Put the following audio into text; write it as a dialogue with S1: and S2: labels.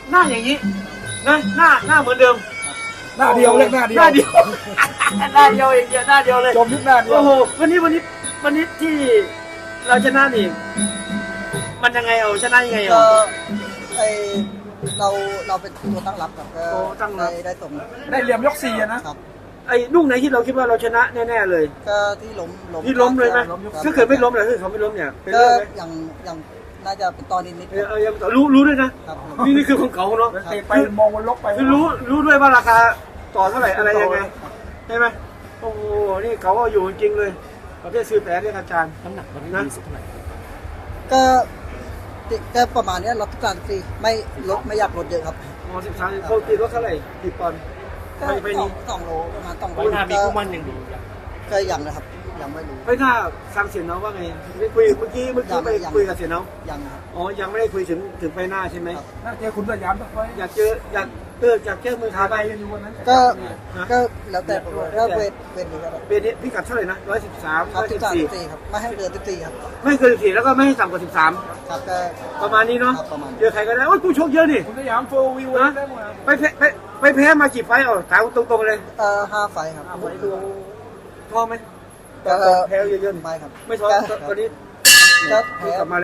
S1: หน้าอย่างนี้นะหน้าเหมือนเดิม
S2: หน้าเดียวเรียกหน้าเดียว
S1: หน้าเดียวหน้าเดียวอย่างเดียวหน้าเดียวเลย
S2: จมยุคหน้าเดียว
S1: โอ้โหวันนี้ที่เราชนะนี่มันยังไงเอาชนะยังไง
S3: ก็
S1: เอา
S3: ไอเราเป็นตัวตั้งรับครับก็
S1: โอ้ตั้งรับ
S3: ได้ส่ง
S2: ได้เหลี่ยมยก4นะครับ
S1: ไอ้ลูกไหนที่เราคิดว่าเราชนะแน่ๆเลย
S3: ก็ที่ล้ม
S1: ที่ล้มเลยไหม
S3: ครับ
S1: ถ้าเกิดไม่ล้มเลยถ้าเขาไม่ล้มเนี่ยเป็น
S3: ก็
S1: เรื่องไหม
S3: อย่างน่าจะเป็นตอนนิดๆ
S1: ยังรู้ด้วยนะ
S3: ครับ
S1: นี่คือของเขาเนาะ
S2: เตะไปมองวนลบไป
S1: คือรู้ด้วยว่าราคาต่อเท่าไหร่อะไรยังไงใช่ไหมโอ้โหนี่เขาก็อยู่จริงๆเลยประเภทซื้อแต่เรียกอาจารย์น้ำหนักวันนี้ดีสุดเท่าไหร่
S3: ก็ประมาณเนี้ยรับทุกการฟรีไม่ลดไม่อยากลดเยอะครับ
S1: อ๋อ13เขาตีรถเท่าไหร่กี่ปอนด์
S3: ก็
S1: ไปนี้
S3: สองโลประมาณ2 โล
S4: วันหน้ามีคู่มั่นอย่างดี
S3: ก็ยังนะครับยังไม่รู้
S1: ไม่ถ้าฟังเสียงน้องว่าไงไม่คุยเมื่อกี้ไปคุยกับเสียงน้อง
S3: ยังครับ
S1: อ๋อยังไม่ได้คุยถึงไปหน้าใช่ไหม
S3: ครับ
S2: น่าเจอคุณสยามสักไฟ
S1: อยากเจออยากเจอมือ
S2: ขา
S1: ขา
S2: ไป
S1: ไป
S2: กันอยู่วันนั้น
S3: ก็แล้วแต่ผมก็เวทนี้ก็ได้
S1: เบนนี้พี่กัดเท่าไหร่นะ113
S3: ครับ13
S1: 114
S3: 14ครับไม่ให้เกิน14ครับ
S1: ไม่เกิน14แล้วก็ไม่ให้ต่ำกว่า
S3: ครับก็
S1: 13ประมาณนี้เนาะ
S3: ครับประมาณนี้
S1: เจอใครก็ได้โอ้ยกูโชคเยอะนี่
S2: คุณสยามโฟวิวได้หมด
S1: ไปแพ้มากี่ไฟต์เอาถามตรงๆเลย
S3: 5 ไฟครับ
S1: ท้อไหม
S3: ก็
S1: แพ้เยอะ
S3: ไม่ครับ
S1: ๆไม่ท้อตอนนี้
S3: ก็
S1: กลับมา